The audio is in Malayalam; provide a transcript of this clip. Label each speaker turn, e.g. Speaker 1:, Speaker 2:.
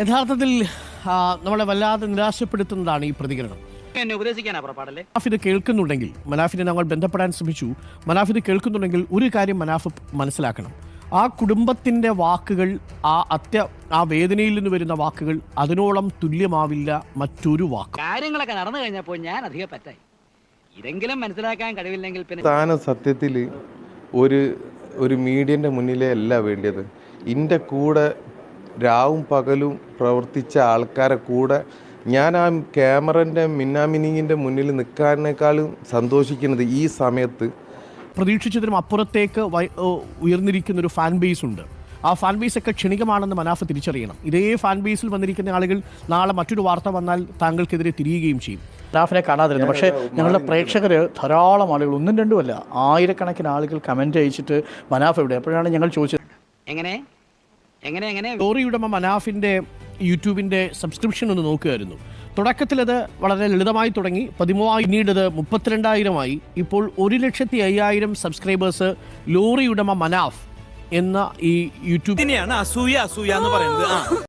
Speaker 1: യഥാർത്ഥത്തിൽ നമ്മളെ വല്ലാതെ നിരാശപ്പെടുത്തുന്നതാണ് ഈ പ്രതികരണം. മനാഫ് ഇത് കേൾക്കുന്നുണ്ടെങ്കിൽ, മനാഫിനെ ഞങ്ങൾ ബന്ധപ്പെടാൻ ശ്രമിച്ചു. മനാഫ് ഇത് കേൾക്കുന്നുണ്ടെങ്കിൽ ഒരു കാര്യം മനാഫ് മനസ്സിലാക്കണം. ആ കുടുംബത്തിൻ്റെ വാക്കുകൾ, ആ വേദനയിൽ നിന്ന് വരുന്ന വാക്കുകൾ അതിനോളം തുല്യമാവില്ല മറ്റൊരു വാക്ക്.
Speaker 2: കാര്യങ്ങളൊക്കെ നടന്നു കഴിഞ്ഞപ്പോൾ ഞാൻ അധികം പറ്റായി. ഇതെങ്കിലും മനസ്സിലാക്കാൻ കഴിവില്ലെങ്കിൽ പിന്നെ
Speaker 3: താൻ സത്യത്തിൽ ഒരു മീഡിയൻ്റെ മുന്നിലേ അല്ല വേണ്ടിയത്. എൻ്റെ കൂടെ രാവും പകലും പ്രവർത്തിച്ച ആൾക്കാരെ കൂടെ ഞാൻ ആ ക്യാമറൻ്റെ മിന്നാമിനിങ്ങിൻ്റെ മുന്നിൽ നിൽക്കാനേക്കാളും സന്തോഷിക്കുന്നത് ഈ സമയത്ത്
Speaker 1: പ്രതീക്ഷിച്ചതിനും അപ്പുറത്തേക്ക് ഉയർന്നിരിക്കുന്നൊരു ഫാൻ ബേസ് ഉണ്ട്. ആ ഫാൻ ബേസ് ഒക്കെ ക്ഷണികമാണെന്ന് മനാഫ് തിരിച്ചറിയണം. ഇതേ ഫാൻ ബേസിൽ വന്നിരിക്കുന്ന ആളുകൾ നാളെ മറ്റൊരു വാർത്ത വന്നാൽ താങ്കൾക്കെതിരെ തിരിയുകയും ചെയ്യും.
Speaker 4: മനാഫിനെ കാണാതിരുന്നു. പക്ഷേ ഞങ്ങളുടെ പ്രേക്ഷകർ ധാരാളം ആളുകൾ, ഒന്നും രണ്ടുമല്ല, ആയിരക്കണക്കിന് ആളുകൾ കമൻറ്റ് അയച്ചിട്ട് മനാഫ് എവിടെ, അപ്പോഴാണ് ഞങ്ങൾ ചോദിച്ചത്
Speaker 2: എങ്ങനെ
Speaker 1: ലോറി ഉടമ മനാഫിൻ്റെ യൂട്യൂബിൻ്റെ സബ്സ്ക്രിപ്ഷൻ ഒന്ന് നോക്കുകയായിരുന്നു. തുടക്കത്തിൽ അത് വളരെ ലളിതമായി തുടങ്ങി, 13,000, പിന്നീട് അത് 32,000 ഇപ്പോൾ 1,05,000 സബ്സ്ക്രൈബേഴ്സ് ലോറി ഉടമ മനാഫ് എന്ന ഈ യൂട്യൂബ്
Speaker 5: അസൂയ എന്ന് പറയുന്നത്.